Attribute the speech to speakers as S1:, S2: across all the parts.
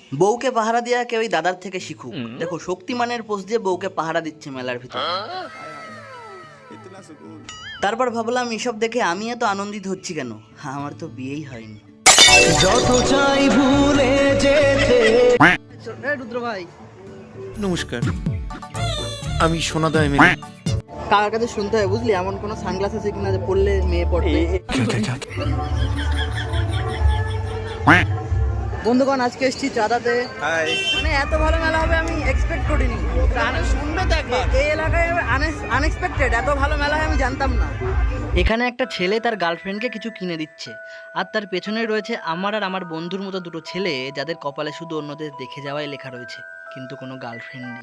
S1: বউকে পাহারা দেওয়া কেউ দাদার থেকে শিখুক। দেখো শক্তিমানের পোস্ট দিয়ে বউকে পাহারা দিচ্ছে মেলার ভিতরে। তারপর ভাবলাম এসব দেখে আমি এত আনন্দিত হচ্ছি কেন, আমার তো বিয়েই হয়নি। যত চাই ভুলে যেতে। রুদ্র ভাই
S2: নমস্কার, আমি সোনাদা এমএলএ।
S1: কার কাছে শুনতে হয় বুঝলি, এমন কোনো সানগ্লাস আছে কিনা যে পড়লে মেয়ে পড়বে। বন্ধুগণ আজকে এসেছি চাঁদাতে। মানে এত ভালো মেলা হবে আমি এক্সপেক্ট করিনি। এই এলাকায় আনএক্সপেক্টেড এত ভালো মেলা হয় আমি জানতাম না। এখানে একটা ছেলে তার গার্লফ্রেন্ডকে কিছু কিনে দিচ্ছে, আর তার পেছনে রয়েছে আমার আর আমার বন্ধুর মতো দুটো ছেলে যাদের কপালে শুধু অন্যদের দেখে যাওয়াই লেখা রয়েছে, কিন্তু কোনো গার্লফ্রেন্ড নেই।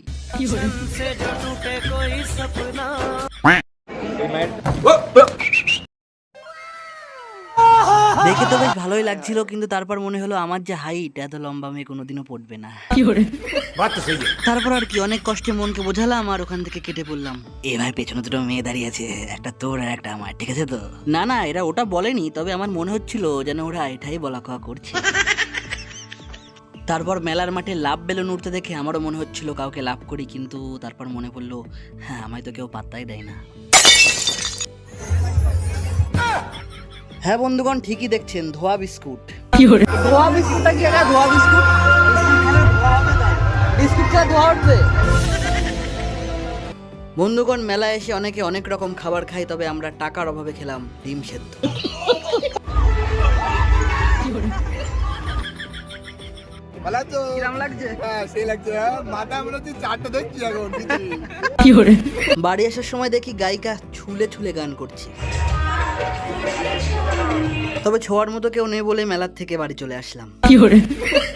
S1: দেখে তো বেশ ভালোই লাগছিল, কিন্তু তারপর মনে হলো আমার যে হাইট, এত লম্বা মেয়ে কোনোদিনও পড়বে না। তারপর আর কি অনেক কষ্টে মনকে বোঝালাম আর ওখান থেকে কেটে পড়লাম। এ ভাই পেছনে দুটো মেয়ে দাঁড়িয়ে আছে, একটা তোর আর একটা আমার, ঠিক আছে তো? না না, এরা ওটা বলেনি, তবে আমার মনে হচ্ছিল যেন ওরা এটাই বলা কওয়া করছে। তারপর মেলার মাঠে লাভ বেলুন উঠতে দেখে আমারও মনে হচ্ছিল কাউকে লাভ করি, কিন্তু তারপর মনে পড়লো হ্যাঁ আমায় তো কেউ পাত্তাই দেয় না। হ্যাঁ বন্ধুগণ ঠিকই দেখছেন, ধোয়া বিস্কুট। ধোয়া বিস্কুটটা কি একটা ধোয়া বিস্কুট? বিস্কুট খেয়ে ধোয়া উঠবে? বন্ধুগণ মেলায় এসে অনেকে অনেক রকম খাবার খায়, তবে আমরা টাকার অভাবে খেলাম ডিম সেদ্ধ। বাড়ি আসার সময় দেখি গায়িকা ছুলে ছুলে গান করছে, তবে ছোঁয়ার মতো কেউ নেই বলে মেলার থেকে বাড়ি চলে আসলাম।